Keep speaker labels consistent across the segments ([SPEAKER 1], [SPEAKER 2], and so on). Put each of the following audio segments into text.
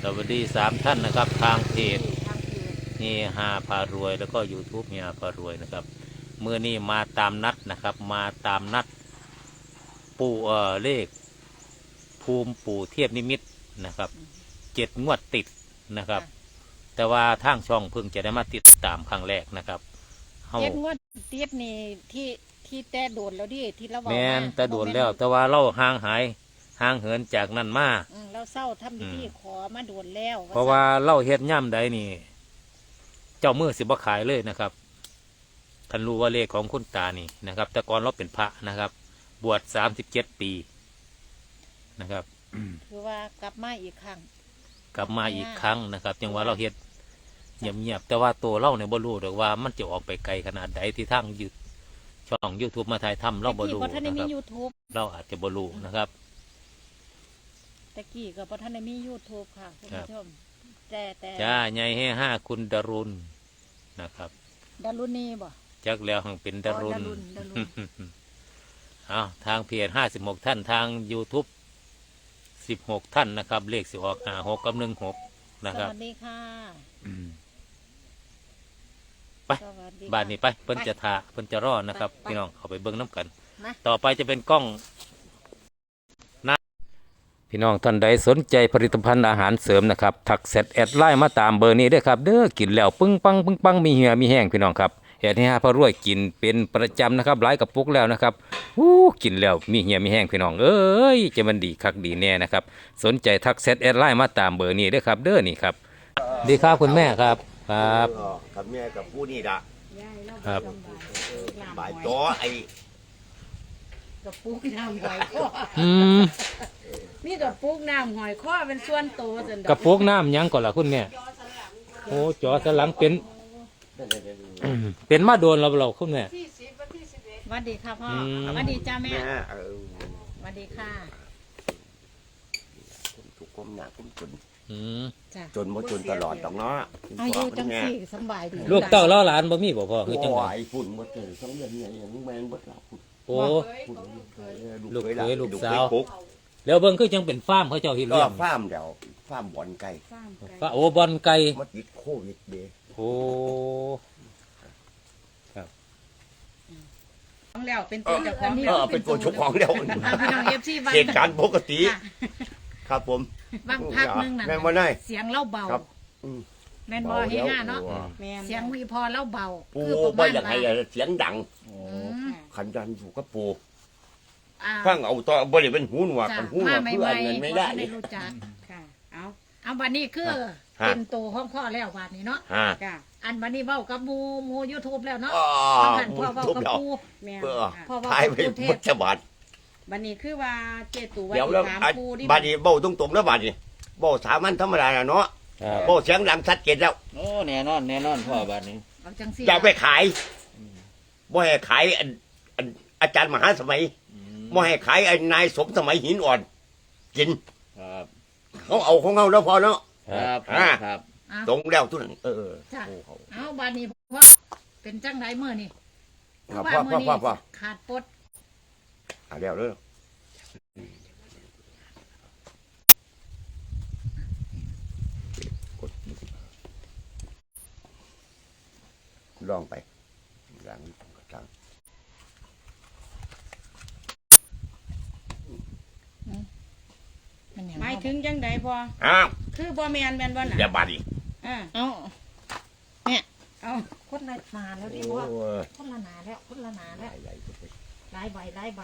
[SPEAKER 1] สวัสดี3 ท่านนะครับทางเพจเฮฮาพารวยแล้วก็ YouTube เฮฮาพารวยนะครับเมื่อนี้มาตามนัดนะครับมาตามนัดปู่เลขภูมิปู่เทียบนิมิตนะครับ7 งวดติดนะครับแต่ว่าทางช่องเพิ่งจะได้มาติดตามครั้งแรกนะครับ
[SPEAKER 2] 7 งวดติดนี่ที่แต่โดนแล้วดิที่เราบอก
[SPEAKER 1] แม่นแต่โดนแล้วแต่ว่าเราห่างเหินจากนั้นมา
[SPEAKER 2] เราเศร้าทำพิธีขอมาโดนแล้ว
[SPEAKER 1] เพราะว่าเล่าเฮ็ดย่ำใดนี่เจ้ามือสิบ่ขายเลยนะครับท่านรู้ว่าเลขของคุณตานี่นะครับแต่ก่อนเราเป็นพระนะครับบวช37 ปีนะครับ
[SPEAKER 2] คือว่ากลับมาอีกครั้ง
[SPEAKER 1] นะครับจังว่าเราเฮ็ดเงียบๆแต่ว่าตัวเราเนี่ยบ่รู้ดอกว่ามันจะออกไปไกลขนาดใดที่ทางช่อง YouTube มาถ่ายทำเราบ่รู้นะครับเราอาจจะบ่รู้นะครับ
[SPEAKER 2] ตะกี้กับพระท่านในมี YouTube ค่ะคุณผู้ชมแต่
[SPEAKER 1] จ้าใหญ่ให้5คุณดารุณนะครับ
[SPEAKER 2] ดารุณีบ่
[SPEAKER 1] จักแล้วหังเป็นดารุณเอาทางเพจ56 ท่านทาง YouTube 16 ท่านนะครับเลขสิออก56 กับ 16นะครับ
[SPEAKER 2] สวัสดีค่ะ
[SPEAKER 1] ไปบ้านนี้ไปเพิ่นจะทาเพิ่นจะรอนะครับพี่น้องเอาไปเบิ้งน้ำกันต่อไปจะเป็นกล้องพี่น้องท่านใดสนใจผลิตภัณฑ์อาหารเสริมนะครับทักแชทแอดไลน์มาตามเบอร์นี้ได้ครับเด้อกินแล้วปึ้งปังมีเหี่ยมีแห้งพี่น้องครับแอดให้พระรวยกินเป็นประจำนะครับหลายกระปุกแล้วนะครับกินแล้วมีเหี่ยมีแห้งพี่น้องเอ้ยจะมันดีคักดีแน่นะครับสนใจทักแชทแอดไลน์มาตามเบอร์นี้ได้ครับเด้อนี่ครับดีครับคุณแม่ครับครับ
[SPEAKER 3] กับแม่กับผู้นี่ละ
[SPEAKER 1] ครับ
[SPEAKER 3] บ่ายจ้อไอ้
[SPEAKER 2] กับปุกน้ำหอยข้อมีกับปุกน้ำหอยข้อเป็นส่วนโตจน
[SPEAKER 1] กับปุกน้ำยังก่อนล่ะคุณแม่โอ้จอสลังเป็นมาโดนเราคุณแม่
[SPEAKER 2] สวัสดีค่ะพ่อสวัสดีจ้าแม่สวัสดีค่ะ
[SPEAKER 3] ทุกคนหนักทุกคน
[SPEAKER 2] จ
[SPEAKER 3] นบ่จนตลอดดอกเนาะ
[SPEAKER 2] อายุจังสี่สบายดี
[SPEAKER 1] ลูกเต้าล้อหลานบ่มีบ่พ่อคือจัง
[SPEAKER 3] ได๋ฝุ่นบ่เจอ2 เดือนเนี่ยยังแม่นบ่หลับ
[SPEAKER 1] โอ้ลูกเคยลูกสาวแล้วเบิ่งคือจังเป็นฟาร์มเขาเจ้าเฮ็ดเลี้ยง
[SPEAKER 3] ฟาร์มเดี๋ยวฟาร์มบ่อนไก่
[SPEAKER 1] โอ้บ่อนไก่
[SPEAKER 3] มาติดโควิดเด้
[SPEAKER 1] โอ้
[SPEAKER 2] ครับของแล้วเป็นตัวเจ้าของ
[SPEAKER 3] เป็นตัวเจ้าของแล้ว
[SPEAKER 2] พี่น้อง FC บ้าน
[SPEAKER 3] เหตุการณ์ปกติครับผม
[SPEAKER 2] บางพักนึงน่ะเสียงเล่าเบาแม่นบ่เฮฮาเนาะเสียงวีพอเล่าเบา
[SPEAKER 3] คือประมาณว่าเสียงดังขันยันอยู่กับปู่ฟังเอาต่อบริเวณหูหนวกกันหูหนวกเพื่อนเงินไม่ได้
[SPEAKER 2] ไม่รู้จักค่ะเอาวันนี้คือเป็นตัวห้องพ่อแล้ววันนี้เนาะอันวันนี้เว้ากับมู YouTube แล้วเนาะหันพ่อเว้ากับปู่แม่
[SPEAKER 3] พ่อเว้ากับปู่เทพ
[SPEAKER 2] บัดนี้คือว่าเจตูว่า
[SPEAKER 3] ถามปู่ดิบัดนี้เบ้าตรงๆแล้วบัดนี้เบ้าสามัญธรรมดาเนาะเบ้าเสียงดังชัดเจนแล้ว
[SPEAKER 1] โอ้แน่นอนพ่อบัดนี้
[SPEAKER 3] อย่าไปขายบ่ให้ขายอาจารย์มหาสมัยบ่ให้ขายนายสมสมัยหินอ่อนกินเขาเอาของเขาแล้วพอเนาะ
[SPEAKER 1] ครับ
[SPEAKER 3] ตรงแล้วทุกนั้น
[SPEAKER 2] เอาบัดนี้พ่อเป็นจังไรเมื่อนี่
[SPEAKER 3] พ่อ
[SPEAKER 2] ขาดปด
[SPEAKER 3] เดี๋ยวเลยลองไปหลังกลาง
[SPEAKER 2] หมายถึงจังใดพอคือบ่แมนบ่น่ะ
[SPEAKER 3] อย่าบาดอี
[SPEAKER 2] เอาเนี่ยเอาคนละนาแล้วดิว่าคนละนาแล้วหลายใบ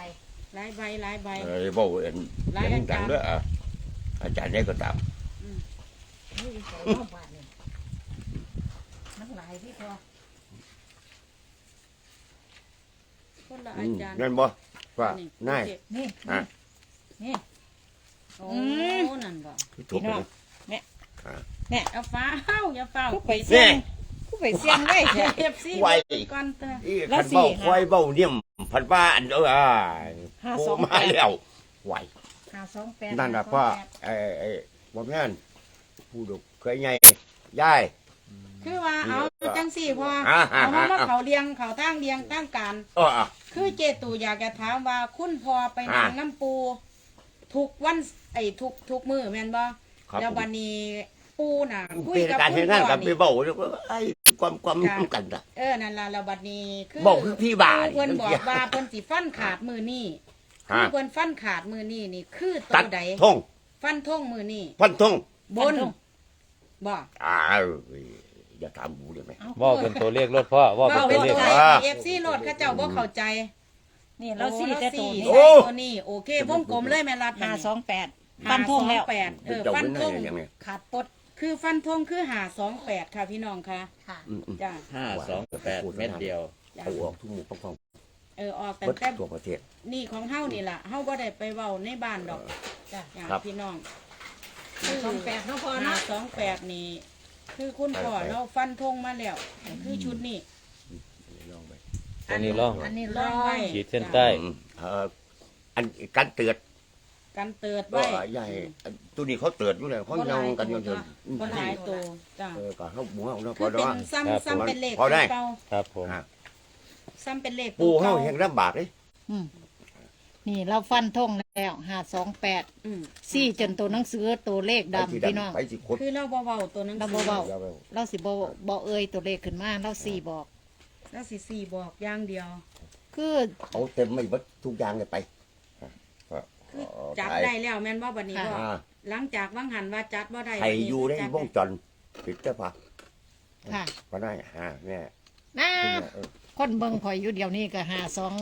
[SPEAKER 3] บ่เอ็นยังดังด้วยอาจารย์ได้ก็ตาม
[SPEAKER 2] นักหลายที่พอคนละอาจารย์
[SPEAKER 3] นั่นบ่ว่าน่าย
[SPEAKER 2] นี่โอ้นั่นบ่
[SPEAKER 3] พี่น้อง
[SPEAKER 2] เนี่ยเอาฟ้าอย่าฟ้า
[SPEAKER 3] ไปเสี่ยง
[SPEAKER 2] ไว้FC
[SPEAKER 3] ไว้
[SPEAKER 2] ก่อนเถอะ
[SPEAKER 3] แล้วสิควายเบ้าเนี่ยมพันว่าอันกูมาแล้วไหว
[SPEAKER 2] 528
[SPEAKER 3] นั่นน่ะพ่อบ่แม่นผู้ดุเคยใหญ่ยาย
[SPEAKER 2] คือว่าเอาจังสี่พอเอามาเขาเลี้ยงเขาตั้งเลี้ยงตั้งการคือเจตูอยากจะถามว่าคุณพอไปนางน้ำปูทุกวันทุกมือแม่นบ่
[SPEAKER 3] ครับ
[SPEAKER 4] แล้ววันนี้ปูน่ะคุย
[SPEAKER 3] เป็น
[SPEAKER 4] กับ
[SPEAKER 3] การ
[SPEAKER 4] คุ
[SPEAKER 3] เฮ็ด
[SPEAKER 4] ณ
[SPEAKER 3] งาน
[SPEAKER 4] พ่
[SPEAKER 3] กั
[SPEAKER 4] อน
[SPEAKER 3] ไป
[SPEAKER 4] นี่
[SPEAKER 3] เบ้าแล้วก็ไอ้ความกันน่ะ
[SPEAKER 4] นั่นล่ะแล้วบัดนี้คือ
[SPEAKER 3] เบ้าคือพี่บ้า
[SPEAKER 4] เพิ่นบอก
[SPEAKER 3] นี่
[SPEAKER 4] ว่าเพิ่นสิฟันขาดมือนี่
[SPEAKER 3] ฮะ
[SPEAKER 4] คือเพิ่นฟันขาดมือนี่นี่คือตั
[SPEAKER 3] ตัด
[SPEAKER 4] วใด
[SPEAKER 3] ทง
[SPEAKER 4] ฟันทงมือนี่
[SPEAKER 3] พันทง
[SPEAKER 4] บนบ่
[SPEAKER 3] อ้าวอย่าถามกูได้ไหม
[SPEAKER 1] เว่าเป็นตัวเลขรถพ่อเว่าเป็น
[SPEAKER 4] เว้า
[SPEAKER 1] ตัว
[SPEAKER 4] เป็น
[SPEAKER 1] เลข
[SPEAKER 4] ใจ
[SPEAKER 3] ว่า
[SPEAKER 4] FC โลดเขาเจ้าบ่เข้าใจ
[SPEAKER 2] นี่เราสี่แต่ตัวนี้
[SPEAKER 3] โอ้
[SPEAKER 4] ตัวนี้โอเควงกลมเลยแม่รัด
[SPEAKER 2] 528ฟันธงแล้ว
[SPEAKER 4] 528
[SPEAKER 3] เจ้า
[SPEAKER 4] ฟัน
[SPEAKER 3] เป็น
[SPEAKER 4] ธ
[SPEAKER 3] ไง
[SPEAKER 4] ง
[SPEAKER 3] อย่างเนี้ย
[SPEAKER 2] ขาดปด
[SPEAKER 4] คือฟันธงคือ528ค่ะพี่น้องค่ะ
[SPEAKER 2] ค่ะ
[SPEAKER 4] จ้ะ
[SPEAKER 5] 528 เม็ดเดียว
[SPEAKER 4] จ้ะ
[SPEAKER 3] เอาออกทุกหมู่ป้อง
[SPEAKER 4] ออก
[SPEAKER 3] ๆ
[SPEAKER 4] แต่
[SPEAKER 3] เบิด
[SPEAKER 4] แต่
[SPEAKER 3] ทั่วประเทศ
[SPEAKER 4] นี่ของเฮานี่ล่ะเฮาบ่ได้ไปเว้าในบ้านดอก
[SPEAKER 2] จ้ะ
[SPEAKER 4] จ้ะ
[SPEAKER 3] ครับ
[SPEAKER 4] พี่น้อง
[SPEAKER 2] 28เนาะพ่อเนาะ
[SPEAKER 4] 528นี่ คือคุณพ่อเราฟันธงมาแล้วคือชุดนี้
[SPEAKER 3] ลองไป
[SPEAKER 1] อันนี้ล่อง
[SPEAKER 2] อันนี้
[SPEAKER 4] ร้
[SPEAKER 2] ร้
[SPEAKER 4] อ
[SPEAKER 2] อย ย
[SPEAKER 1] ขีดเส้นใต้
[SPEAKER 3] อันกันเตือน
[SPEAKER 4] กันเติด
[SPEAKER 3] ก็
[SPEAKER 4] ไว้
[SPEAKER 3] ใหญ่ตัวนี้เขาเตือนอยู่แล้วเขายังกันอยู่เถิน
[SPEAKER 4] บ่หลายตัวจ้ะ
[SPEAKER 3] ก็เขาหมู่เฮาเนาะพ
[SPEAKER 4] คือ อ
[SPEAKER 3] ด
[SPEAKER 4] เป็
[SPEAKER 3] อน
[SPEAKER 4] ซ้ำเป็นเลข
[SPEAKER 3] พอได้
[SPEAKER 4] เก่า
[SPEAKER 1] ครับผม
[SPEAKER 4] ซ้ำเป็นเลข
[SPEAKER 3] ปูเฮา
[SPEAKER 4] ก่
[SPEAKER 3] แห่งลำบากเลย
[SPEAKER 2] อืมนี่เราฟันธงแล้ว528
[SPEAKER 4] อืม
[SPEAKER 2] สี่จนตัวหนังสือตัวเลขดำพี่น้อง
[SPEAKER 3] ไปสิคด
[SPEAKER 4] คือเราบ่เว้าตัวหนั้น
[SPEAKER 2] เราบ่เว้า เราสิบ่เอ่ยตัวเลขขึ้นมาเราสี่บอก
[SPEAKER 4] แล้วสิสี่บอกอย่างเดียว
[SPEAKER 2] คือ
[SPEAKER 3] เขาเต็มไม่เบิดทุกอย่างเลยไป
[SPEAKER 4] คือจับได้แล้วแม่นบ่บัดนี้บ่
[SPEAKER 3] อ่า
[SPEAKER 4] หลังจากว่างหันว่าจัดบ่ได้
[SPEAKER 3] ใครอยู่ใน
[SPEAKER 4] จัด
[SPEAKER 3] วงจรปิดเจ้าพะ
[SPEAKER 2] ค่ะ
[SPEAKER 3] ก็ได้แม่
[SPEAKER 2] นะคนเบิ่งข่อยอยู่เดียวนี้ก็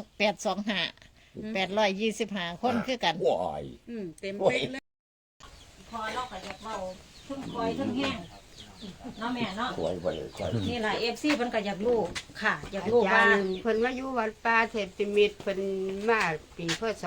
[SPEAKER 2] 825คนคือกัน
[SPEAKER 3] ว้าย
[SPEAKER 4] เต็มเป๊ะเลย
[SPEAKER 2] พอเราก็อยากเบาทั้งคอยทั้งแห้งเนาะแม่เนาะ
[SPEAKER 3] สวยไปเลยใช่
[SPEAKER 2] นี่แหละFC เพิ่นก็อยากรู้ค่ะ อยาก
[SPEAKER 6] อา
[SPEAKER 2] รู้
[SPEAKER 6] จา
[SPEAKER 2] ว่าร
[SPEAKER 6] ย์เพิ่นมาอยู่วัดป่าเทพมิตรเพิ่นมาปีพศ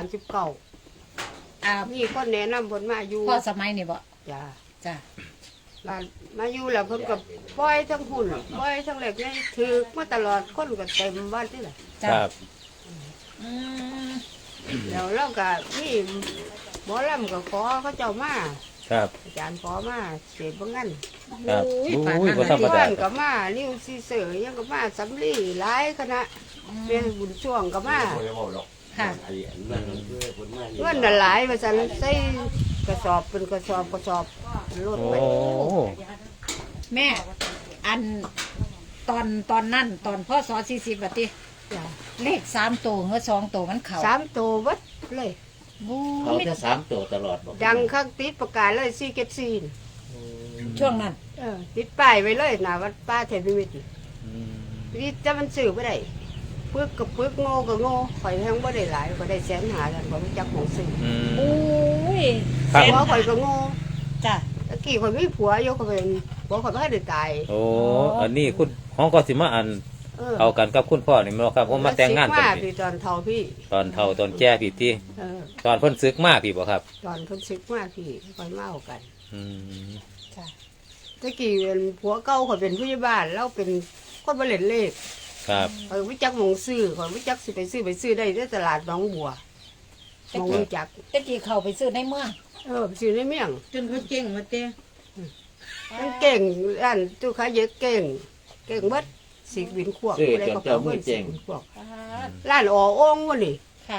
[SPEAKER 6] 39มีคนแนะนำเพิ่นมาอยู่
[SPEAKER 2] พ่อสมัยนี่บ่
[SPEAKER 6] จ้า
[SPEAKER 2] จ้ะ
[SPEAKER 6] บ้านมาอยู่แล้วเพิ่นก็ปล่อยทั้งหุ่นปล่อยทั้งเหล็กนี่ถือมาตลอดคนก็เต็มบ้านนี่แหละ
[SPEAKER 2] จ้ะ
[SPEAKER 1] ครับ
[SPEAKER 2] อืม
[SPEAKER 6] แล้วเราก็มีหมอลำก็ขอเขาเจ้ามา
[SPEAKER 1] ครับ
[SPEAKER 6] อาจารย์ขอมาเสพบ่งั้น
[SPEAKER 1] ครับอุ้ยบ่ธรรม
[SPEAKER 6] เพื่
[SPEAKER 1] ดา
[SPEAKER 6] อนก็มานิ้วซีเสือยังก็มาสำลีหลายคณะเป็นบุญช่วงก็มา
[SPEAKER 2] ค่ะ
[SPEAKER 6] เงินน่ะหลายว่าซั่นใส่กระสอบเป็นกระสอบรถ
[SPEAKER 1] โอ้
[SPEAKER 6] ไป
[SPEAKER 2] แม่ อันตอนนั้นตอนพ่อสอ40บัดติ
[SPEAKER 6] จ้ะ
[SPEAKER 2] เลข3ตัวเงือ2ตัวมันเข้า
[SPEAKER 6] 3ตัวเบัดเลย
[SPEAKER 2] บู
[SPEAKER 5] เขาจะ3ตัวตลอดบอก
[SPEAKER 6] ดังข้างติดประกาศเลยซีเก็ตซีน
[SPEAKER 2] ช่วงนั้น
[SPEAKER 6] ติดป้ายไว้เลยหนะวัดป้าเทพนิมิตรนี่จะมันสื่อไม่ได้ปึกกับปึกโง่กับโง่ข่อยแทงไม่ได้หลายข่อยได้100,000แล้วข่อยไม่จักของสื่อ
[SPEAKER 1] อืม
[SPEAKER 2] อุ้ย
[SPEAKER 1] ครับ
[SPEAKER 6] ผัวข่อยก็โง่
[SPEAKER 2] จ้ะ
[SPEAKER 6] ตะกี้ข่อยมีผัวอยู่ข่อยเป็นผัวข่อยไม่ได้ตาย
[SPEAKER 1] โอ้อันนี้คุณของก็สิมาอันเอากันกับคุณพ่อนี่แม่นบ่ครับผมมาแต่งงาน
[SPEAKER 6] แล้ว
[SPEAKER 1] กัน
[SPEAKER 6] สิ
[SPEAKER 1] พี่
[SPEAKER 6] พี่ตอนเท่าพี่
[SPEAKER 1] ตอนเฒ่าตอนแก่พี่ติ
[SPEAKER 6] เออ
[SPEAKER 1] ตอนเพิ่นซึกมาพี่บ่ครับ
[SPEAKER 6] ตอนคนซึกมากพี่ข่อยเมากัน
[SPEAKER 1] อืม
[SPEAKER 2] จ้ะ
[SPEAKER 6] ตะกี้เป็นผัวเก่าข่อยเป็นผู้ใหญ่บ้านแล้วเป็นคนบ่เล่นเลข
[SPEAKER 1] ครับ
[SPEAKER 6] ข่อยไม่จักหมองซื้อข่อยไม่จักสิไปซื้อได้ที่ตลาดหนองบัวหมองรู้จัก
[SPEAKER 2] ตะกี้เข้าไปซื้อในเมือง
[SPEAKER 6] ไปซื้อในเมี่ยง
[SPEAKER 4] จนเขาเจ๊งมาเต้
[SPEAKER 6] มันเก่งร้านตู้ค้าเยอะเก่งเบิดสีบินขวบอะไรก็เขาเบิดสีบินขวบร้านอ๋อโอ่งวะนี่
[SPEAKER 2] ค่ะ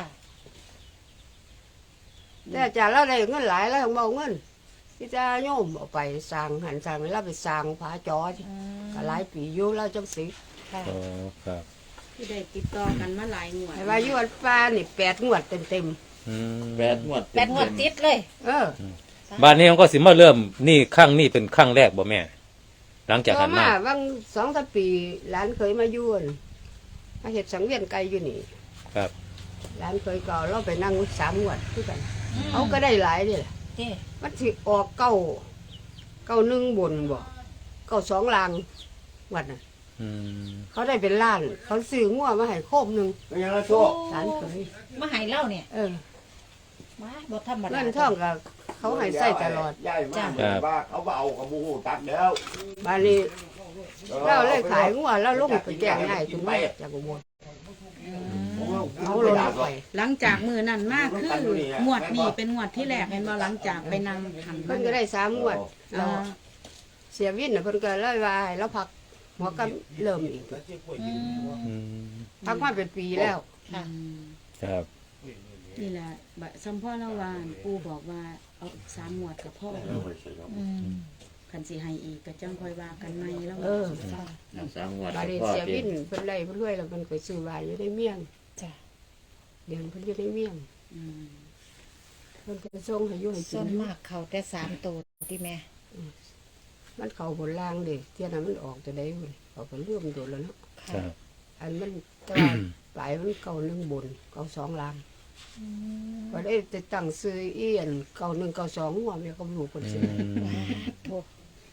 [SPEAKER 6] แต่อาจารย์เราได้เงินหลายแล้วของเบาเงินที่จะโยมเอาไปสร้างหันสร้างแล้วไปสร้างผาจอก็หลายปีอยู่แล้วจังสิ
[SPEAKER 2] ค่ะ
[SPEAKER 1] โอ้ครับ
[SPEAKER 4] ที่ได้ติดต่อกันมาหลายงวด
[SPEAKER 6] ไอ้ว่าอยู่วัดป่านี่8 งวดเต็ม
[SPEAKER 1] อืม
[SPEAKER 5] 8 งวด
[SPEAKER 2] แปดงวดติดเลย
[SPEAKER 1] บ้านนี้มันก็สิมาเริ่มนี่ครั้งนี้เป็นครั้งแรกบ่แม่ หลังจาก
[SPEAKER 6] ต่
[SPEAKER 1] หั
[SPEAKER 6] อน
[SPEAKER 1] มา
[SPEAKER 6] มาบาง2-3 ปีหลานเคยมาอยู่อั่นมาเฮ็ดสังเวียนไก่อยู่นี่
[SPEAKER 1] ครับ
[SPEAKER 6] หลานเคยเก่าเราไปนั่ง3 งวดคือกันเขาก็ได้หลายนี่แหละ
[SPEAKER 2] เจ้
[SPEAKER 6] มันสิออก991บนบ่92ลางวัดน่ะ
[SPEAKER 1] อืม
[SPEAKER 6] เขาได้เป็นล้าน เขาซื้องัวมาให้โคมหนึง
[SPEAKER 3] เป็นยังไงโซ่
[SPEAKER 6] หลานเคย
[SPEAKER 2] มาให้เล่าเนี่ย
[SPEAKER 6] เออ
[SPEAKER 2] มาบ่ธรรมดา
[SPEAKER 6] เงินท่องก็เขาให้ใส่ตลอด
[SPEAKER 3] ย้ายมาเหมือนว่าเขาเอากระบูตัดแล้ว
[SPEAKER 6] บานี้เราเลยขายงัวแล้วลงไปแจ้งง่ายถึงแม่จากอุบลเอาลงไป
[SPEAKER 4] หลังจากมือนั้นมากคืองวดนี้เป็นงวดที่แรกเห็นว่าหลังจากไปนั่งหัน
[SPEAKER 6] เพิ่นก็ได้3 งวด
[SPEAKER 4] อ่า
[SPEAKER 6] เสียวินน่ะเพิ่นก็เลยว่าให้เราพักหมอก็เริ่มอีก
[SPEAKER 1] อืม
[SPEAKER 6] พักมาเป็นปีแล้ว
[SPEAKER 2] ค่ะ
[SPEAKER 1] ครับ
[SPEAKER 4] นี่แหละบะซัมพ่อละวานปูบอกว่าเอาเอา3งวดกับพ่อ
[SPEAKER 2] อืม
[SPEAKER 4] คันสิให้อีกก็จังค่อยว่ากันใหม่แล้ว
[SPEAKER 5] เอาสามงวด
[SPEAKER 6] บาดนี้
[SPEAKER 5] พ่อ
[SPEAKER 6] เสีย
[SPEAKER 5] เตรี
[SPEAKER 6] วิ
[SPEAKER 5] ยม
[SPEAKER 6] นเพิ่นไล่เพิ่นรวยแล้วเพิ่นก็ซื้อบ้านอยู่ในเมียง
[SPEAKER 2] จ้ะ
[SPEAKER 6] เดี๋ยวเพิ่นอยู่ในเมียง
[SPEAKER 4] อืม
[SPEAKER 6] เพิ่นก็ส่งให้อยู่ให้กิ
[SPEAKER 2] ส่วน
[SPEAKER 6] น
[SPEAKER 2] มากเขาแต่3ตัวที่แม่
[SPEAKER 6] มันเข้าบนล่างเด้เที่ยนั้นมันออกตัวใดพุ่นเขาก็เลื่อมโดนแล้วเนาะ
[SPEAKER 1] ครับ
[SPEAKER 6] อันมันแต่ว่าปลายมันเก่าหนึ่งบนเก่าสองล่างก็ได้แต่ตั้งซื้อเอียนเก่าหนึ่งเก่าสองหัวแม่ก็รู้คนซื้อ
[SPEAKER 2] โทษ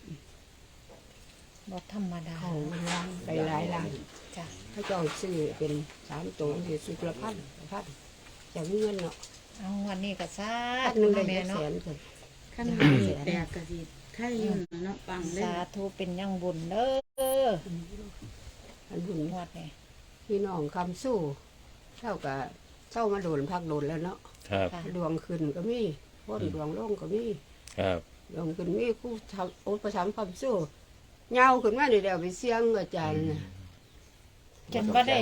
[SPEAKER 2] บ่ธรรมดา
[SPEAKER 6] เขามันล่างไปหลายล่าง
[SPEAKER 2] จ้ะ
[SPEAKER 6] ถ้าเจ้าซื้อเป็น3ตัวสิซื้อละพันจะมีเงินเนาะ
[SPEAKER 2] เอาวันนี้ก็ซา
[SPEAKER 6] พันหนึ่งได้
[SPEAKER 2] แม่
[SPEAKER 6] แส
[SPEAKER 2] เนาะ
[SPEAKER 6] นคน
[SPEAKER 4] คันให้แตกก็สิไข่อยู่เนาะปังเด้
[SPEAKER 2] สาธุเป็นยังบุญเด้อ
[SPEAKER 6] อันบุญ
[SPEAKER 2] งวดนี้
[SPEAKER 6] พี่น้องคำสู้เท่ากับเจ้ามาโดนพักโดนแล้วเนาะ
[SPEAKER 1] ครับ
[SPEAKER 2] ค่ะ
[SPEAKER 6] ดวงขึ้นก็มีพ้นดวงลงก็มี
[SPEAKER 1] ครับ
[SPEAKER 6] ดวงขึ้นมีคู่ทำโอ๊ตประชามคำสู้เงาขึ้นมาเดี๋ยวไปเสียงอาจารย์น่ะ
[SPEAKER 2] จนบ่ได้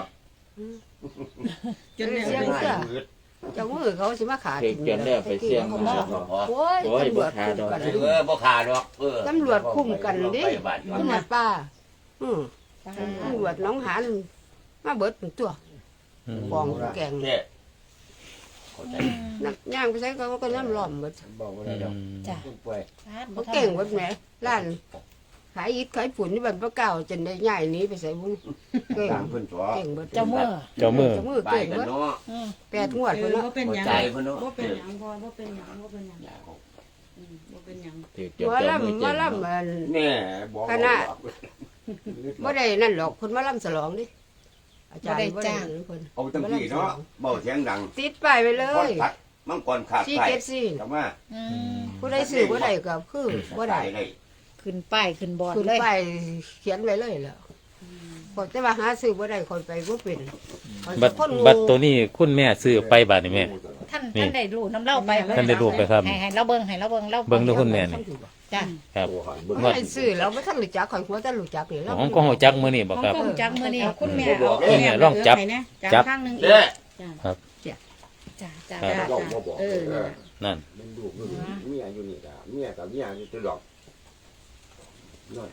[SPEAKER 4] จนแล้ว
[SPEAKER 6] เสียงเสื้อเจ้ามือเขาสิมาขาด
[SPEAKER 5] เด็กจนแล้วไปเสี่ยง
[SPEAKER 6] เขา
[SPEAKER 5] มา
[SPEAKER 6] บอกโอ้ย
[SPEAKER 5] โอ้ย
[SPEAKER 6] ตำรวจ
[SPEAKER 5] บ่ขาด
[SPEAKER 6] คุม
[SPEAKER 5] ดอก
[SPEAKER 6] กัน
[SPEAKER 3] บ่ขาดหรอก
[SPEAKER 6] ตำรวจคุมกันดิ
[SPEAKER 3] ไปบ้าน
[SPEAKER 6] ตำรวจป้าตำรวจน้องหานมาเบิดเป็นตัว
[SPEAKER 1] อืม
[SPEAKER 6] กองแกง
[SPEAKER 3] แค่เข้าใจ
[SPEAKER 6] นักย่างไปใช้เขาก็น้ำล้อมเบิด
[SPEAKER 3] บอกว่าได้ดอก
[SPEAKER 2] จ้ะ
[SPEAKER 3] ป่วย
[SPEAKER 6] เขาเก่งเบิดแหมร้านขายอิฐขายฝุ่นนี่บันพระเก่าจนได้ย้ายหนี้ไปใส่บุ้งเก่ง
[SPEAKER 3] ตามเพิ่นตัว
[SPEAKER 6] เก่งเบิด
[SPEAKER 2] เจ้ามือ
[SPEAKER 1] เจ้ามือ
[SPEAKER 6] เจ้ามือ
[SPEAKER 3] ไป
[SPEAKER 6] เก่ง
[SPEAKER 3] กัน
[SPEAKER 6] เบิด
[SPEAKER 3] เนาะ
[SPEAKER 2] อืม
[SPEAKER 6] 8 งวดพุ่น
[SPEAKER 4] บ่
[SPEAKER 6] เนาะ
[SPEAKER 4] เป็นหยัง
[SPEAKER 3] ใจเพิ่นเนาะ
[SPEAKER 4] บ่เป็นหยังบ่เป็นหยังบ่เป็นหยังบ่เป็นหยัง
[SPEAKER 5] ถือจน
[SPEAKER 6] หัว
[SPEAKER 5] เจ้ามือ
[SPEAKER 6] ลำ
[SPEAKER 5] เจ็
[SPEAKER 6] มา
[SPEAKER 5] บ
[SPEAKER 6] ลำมัน
[SPEAKER 3] แน่บอก
[SPEAKER 6] คณะ บ่ได้นั่นหรอกเพิ่นมาลำฉลองดิอาจารย์บ่ได้นั่นเพิ่น
[SPEAKER 3] เอาตั้งที่เนาะเบาเสียงดัง
[SPEAKER 6] ติดป้ายไว้เล
[SPEAKER 3] พอด
[SPEAKER 6] ย
[SPEAKER 3] พัดมังกรขาดไฟกลับมา
[SPEAKER 2] อืม
[SPEAKER 6] ผู้ใดซื้อบ่ได้ก็คือบ่ได้
[SPEAKER 3] ได้
[SPEAKER 2] ขึ้นป้ายขึ้นบอร์ด
[SPEAKER 6] ขึ้น
[SPEAKER 2] เลย
[SPEAKER 6] ป้ายเขียนไว้เลยแล้วพอแต่ว่าหาซื้อบ่ได้คนไปบ่เป็นข้อย
[SPEAKER 1] บั
[SPEAKER 6] เป็
[SPEAKER 1] ต
[SPEAKER 6] น
[SPEAKER 1] ร
[SPEAKER 6] คนโง่
[SPEAKER 1] บัตรตัวนี้คุณแม่ซื้อไปบัตรนี่แม่
[SPEAKER 2] ท่าน
[SPEAKER 1] นี่
[SPEAKER 2] ท่านได้รู้น้ำเล่าไป
[SPEAKER 1] ท่านได้รู้ไปครับ
[SPEAKER 2] ให้เราเบิ่งให้เราเบิ่งเรา
[SPEAKER 1] เบิ่งดูคุณแม่นี่
[SPEAKER 2] จ้ะ
[SPEAKER 1] ครับ
[SPEAKER 6] บ่ได้ซื้อแล้วบ่ทันรู้จักข่อยหัวแต่รู้จักนี่แล้ว
[SPEAKER 1] ของก็หัวจักมื้อนี้บ่
[SPEAKER 2] ของ
[SPEAKER 1] ครับ
[SPEAKER 2] กงจักมื้อนี้คุณแม่
[SPEAKER 3] บ
[SPEAKER 2] เอา
[SPEAKER 3] อก
[SPEAKER 1] คุณแม่ลองจับ
[SPEAKER 4] ให้นะ
[SPEAKER 1] จับ
[SPEAKER 4] ข้างหนึงอีก
[SPEAKER 3] เด้
[SPEAKER 2] จ้ะจ้ะ
[SPEAKER 3] จ้า
[SPEAKER 2] จ้ะ
[SPEAKER 3] บอกบ่บอก
[SPEAKER 1] นั่น
[SPEAKER 3] เป็นลูกเมียอยู่นี่ล่ะเมียกับเมียอยู่ตลอดนั่น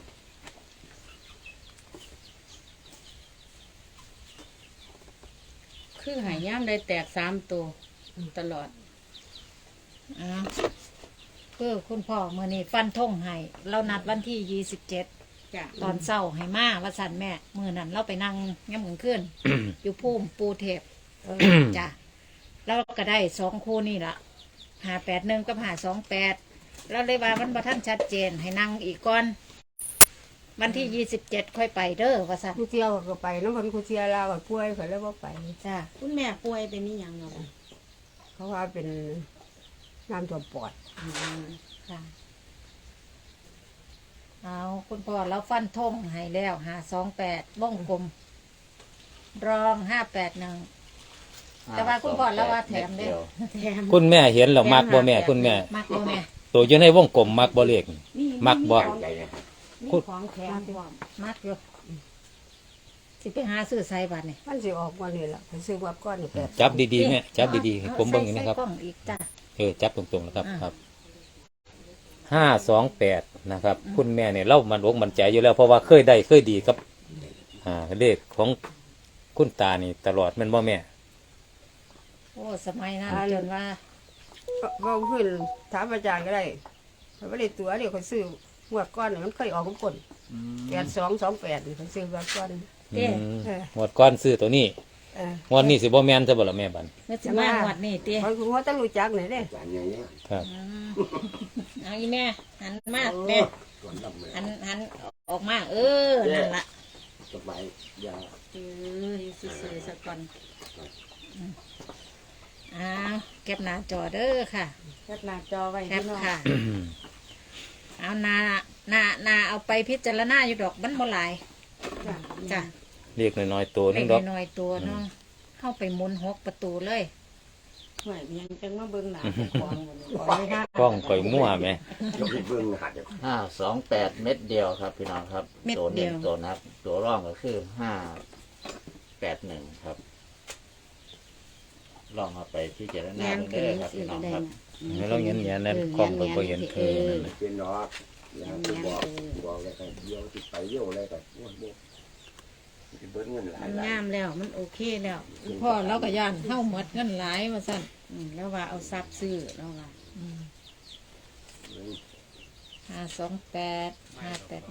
[SPEAKER 4] คือใหายย่ามได้แตก3ตัวตลอด
[SPEAKER 2] อ่าคือคุณพ่อมื้อนี้ฟันธงให้เรานัดวันที่27
[SPEAKER 4] จ้ะ
[SPEAKER 2] ตอนเช้าให้มาว่าสั่นแม่มื้อนั้นเราไปนั่งยามมื้อคืน อยู่ภูมิปูเทพจ้ะแล้วก็ได้2คู่นี่ล่ะ581กับ528เราเลยว่ามันบ่ทันชัดเจนให้นั่งอีกก่อน วันที่27ค่อยไปเด้อว่าสั่น
[SPEAKER 6] กูเที่ยวก็ไปนำเพิ่นกูเที่ยวลาวก็ป่วยก็เลยบ่ไป
[SPEAKER 2] จ้ะ
[SPEAKER 4] คุณแม่ป่วยเป็นนี่หยังเนาะ
[SPEAKER 6] เขาว่าเป็นน้ำท่วมปอด
[SPEAKER 2] ค่ะเอาคุณพ่อเราฟันธงให้แล้ว528วงกลมรอง581 แต่ว่าคุณพ่อแล้วว่าแถมเด้
[SPEAKER 4] แถม
[SPEAKER 1] คุณแม่เห็นแล้วมักบ่แม่คุณแม่
[SPEAKER 2] มักบ่แม่
[SPEAKER 1] ตัวอยู่ในวงกลมมักบ่เลขมักบ่
[SPEAKER 3] ใจนะ
[SPEAKER 4] มีของแถมพร้อม
[SPEAKER 2] มักอยู่สิไปหาซื้อใส่บัตรนี่
[SPEAKER 6] มันสิออกวันนี้ล่ะไปซื้อวับก้อนนี่แปด
[SPEAKER 1] จับดีๆแม่จับดีๆให้ผมเบิ่งอย่างนี้ครับ
[SPEAKER 2] ใส่กล้องอีกจ้ะ
[SPEAKER 1] จับตรงๆนะครับ
[SPEAKER 2] อ่า
[SPEAKER 1] ครับ528นะครับ คุณแม่เนี่ยเล่ามันอกมันใจอยู่แล้วเพราะว่าเคยได้เคยดีกับเลขของคุณตานี่ตลอดแมันบ่แม่
[SPEAKER 2] โอ้สมัยนั้นจนว่า
[SPEAKER 6] เว้าขึ้นถามอาจารย์ก็ได้เขาบ่ได้ตัวเดี๋ยวเขาซื้องวดก้อนนี่มันเคยออกทุกคน8228นี่เขาซื้อวับก้อน
[SPEAKER 2] เด้
[SPEAKER 1] หมวดก้อนซื้อตัวนี้
[SPEAKER 6] เออ
[SPEAKER 1] งวดนี้สิบ่แม่นซะบ่ล่ะแม่บัน
[SPEAKER 2] เมื่อสิมางวดนี่เตี้ย
[SPEAKER 6] เขาคือว่าต้องรู้จักนี่เด้
[SPEAKER 3] จานอย่างเงี้ย
[SPEAKER 1] ครับ
[SPEAKER 2] เอาอีแม่หันมาแม่
[SPEAKER 3] ส่วนลำแม่
[SPEAKER 2] หันออกมานั่นละ
[SPEAKER 3] สบายยา
[SPEAKER 4] อยู่ซื่อๆซะก่อน
[SPEAKER 2] อ้าวเก็บหน้าจอเด้อค่ะ
[SPEAKER 4] แคปหน้าจอไว้
[SPEAKER 2] แค
[SPEAKER 4] พี่
[SPEAKER 2] ป
[SPEAKER 4] น้อง
[SPEAKER 2] ค่ะ เอานาเอาไปพิจารณาอยู่ดอกมันบ่หลาย
[SPEAKER 4] จ้ะ
[SPEAKER 2] จ้ะ
[SPEAKER 1] เรียกน้อยๆตัว
[SPEAKER 2] เล็
[SPEAKER 1] นึ
[SPEAKER 2] ก
[SPEAKER 1] งดอก
[SPEAKER 2] น้อยๆตัวเนาะเข้าไปหมุน6ประตูเลย
[SPEAKER 4] ห่วยยังจังมาเบิ่งหน้าของบ่นี่ขอให้
[SPEAKER 1] กล้องข่อยมั่วแม่
[SPEAKER 3] ยกให้เบิ่งหัด
[SPEAKER 5] 528 เม็ดเดียวครับพี่น้องครับ
[SPEAKER 2] เม็ด
[SPEAKER 5] ตัว
[SPEAKER 2] เดี
[SPEAKER 5] เน้
[SPEAKER 2] ย
[SPEAKER 5] น
[SPEAKER 2] ว
[SPEAKER 5] ตัวนับตัวร่องก็คือ581ครับลองเอาไปที่เจารณา
[SPEAKER 7] แม่น
[SPEAKER 5] เด้
[SPEAKER 7] ขึ้น
[SPEAKER 5] อครับ
[SPEAKER 7] สิ
[SPEAKER 5] พี่น้อง
[SPEAKER 7] ได้
[SPEAKER 5] ครับ
[SPEAKER 7] นะ
[SPEAKER 1] ให้เราเงี้ยๆนั่นคอมก็บ่เห็นคือนั่นน่ะ
[SPEAKER 3] เป็นดอกอย่างที่บอกแล้วก็เดียวที่ไปเดียวอะไรก็โอ้ยบ่สิเบิดเงินหลาย
[SPEAKER 4] มัน
[SPEAKER 3] หลาย
[SPEAKER 4] งามแล้วมันโอเคแล้ว
[SPEAKER 2] พ่อเราก็ย่านเฮาหมดเงินหลายว่าซั่น
[SPEAKER 4] แล้วว่าเอาทรัพย์ซื้อแล้วว่า
[SPEAKER 2] 528 58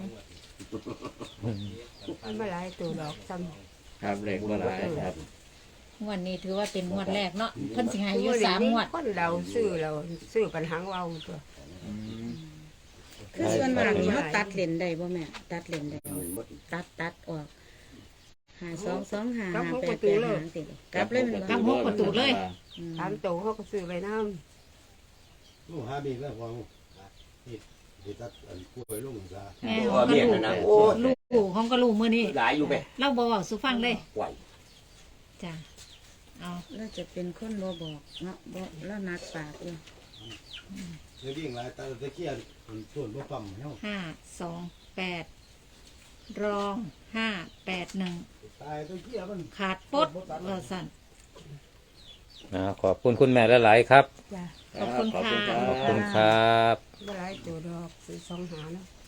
[SPEAKER 6] มันมาหลายตัวดอกซ้
[SPEAKER 5] ครับเลขว่าหลายครับ
[SPEAKER 2] งวดนี้ถือว่าเป็นงวดแรกเนาะเพิ่นสิให้
[SPEAKER 6] ำ
[SPEAKER 2] อยู่3งวด
[SPEAKER 6] คนเราซื้อปัญหาเว้าตัว
[SPEAKER 4] คือส่วนมากนี่เขาตัดเลนได้บ่แม่ตัดเลนได้บ่
[SPEAKER 3] เงินหมด
[SPEAKER 4] ตัดออก5225 5885ติกลับเลยมัน
[SPEAKER 2] กลับหกประตูเลย
[SPEAKER 6] ตามตัวเขาก็ซื้อไว้น้
[SPEAKER 8] ลูกหาบีแล้วพอที่ตัดอันกล้วยลุงซะ
[SPEAKER 2] แม่
[SPEAKER 3] เพราะว่าเมียนั่นนะโอ้ย
[SPEAKER 2] ลูกของก็ลูกมื้อนี้
[SPEAKER 3] หลายอยู่แม่
[SPEAKER 2] เราบ่เว้าสู่ฟังเลย
[SPEAKER 3] ไหว
[SPEAKER 2] จ้ะเอา
[SPEAKER 4] แล้วจะเป็นคนบ่บอกเนาะบ่แล้วนัดปากอยู่
[SPEAKER 8] เดี๋ยววิ่งหลายตาตะเคียนมันส่วนบ่ปั๊มเฮา
[SPEAKER 2] 528รอง581
[SPEAKER 8] ตายตะเคียนมัน
[SPEAKER 2] ขาดปดว่าซั่น
[SPEAKER 1] ขอบคุณคุณแม่หลายๆครับ
[SPEAKER 6] ำจ้ะ
[SPEAKER 2] ขอบคุณค่ะ
[SPEAKER 1] ขอบคุณครับ
[SPEAKER 6] มาหลายตัวดอกซื้อ2 หาเนาะ